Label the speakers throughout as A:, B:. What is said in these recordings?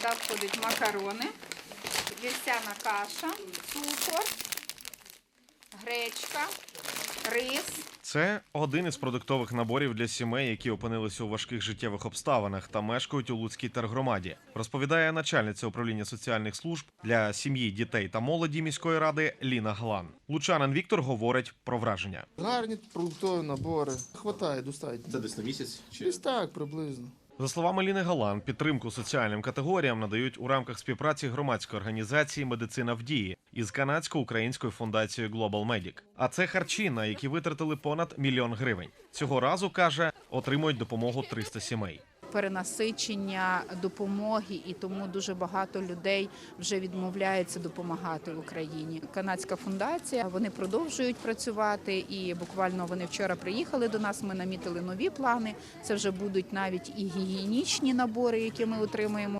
A: Сюди входять макарони, вівсяна каша, цукор, гречка, рис.
B: Це один із продуктових наборів для сімей, які опинилися у важких життєвих обставинах та мешкають у Луцькій тергромаді, розповідає начальниця управління соціальних служб для сім'ї, дітей та молоді міської ради Ліна Глан. Лучанин Віктор говорить про враження.
C: Гарні продуктові набори. Хватає достатньо.
D: Це десь на місяць?
C: Десь так, приблизно.
B: За словами Ліни Галан, підтримку соціальним категоріям надають у рамках співпраці громадської організації «Медицина в дії» із канадсько-українською фундацією Global Medic. А це харчі, на які витратили понад 1 мільйон гривень. Цього разу, каже, отримують допомогу 300 сімей.
A: Перенасичення допомоги, і тому дуже багато людей вже відмовляються допомагати в Україні. Канадська фундація, вони продовжують працювати, і буквально вони вчора приїхали до нас, ми намітили нові плани. Це вже будуть навіть і гігієнічні набори, які ми отримуємо.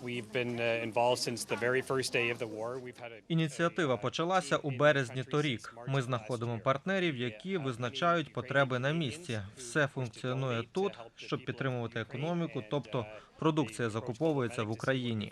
E: Ініціатива почалася у березні торік. Ми знаходимо партнерів, які визначають потреби на місці. Все функціонує тут, щоб підтримувати економіку, тобто продукція закуповується в Україні.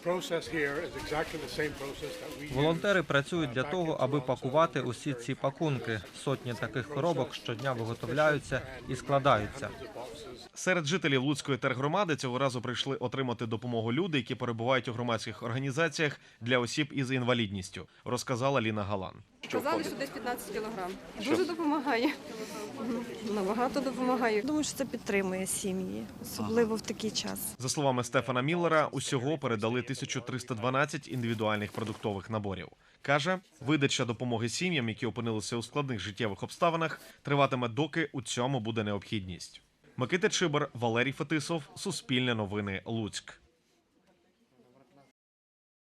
E: Волонтери працюють для того, аби пакувати усі ці пакунки. Сотні таких коробок щодня виготовляються і складаються.
B: Серед жителів Луцької тергромади цього разу прийшли отримати допомогу люди, які перебувають у громадських організаціях для осіб із інвалідністю, розказала Ліна Галан.
F: Казали, що десь 15 кілограм. Дуже допомагає. Набагато допомагає.
G: Думаю, що це підтримує сім'ї, особливо в такий час.
B: За словами Стефана Міллера, усього передали 1312 індивідуальних продуктових наборів. Каже, видача допомоги сім'ям, які опинилися у складних життєвих обставинах, триватиме, доки у цьому буде необхідність. Микита Чибар, Валерій Фетисов, Суспільне новини, Луцьк.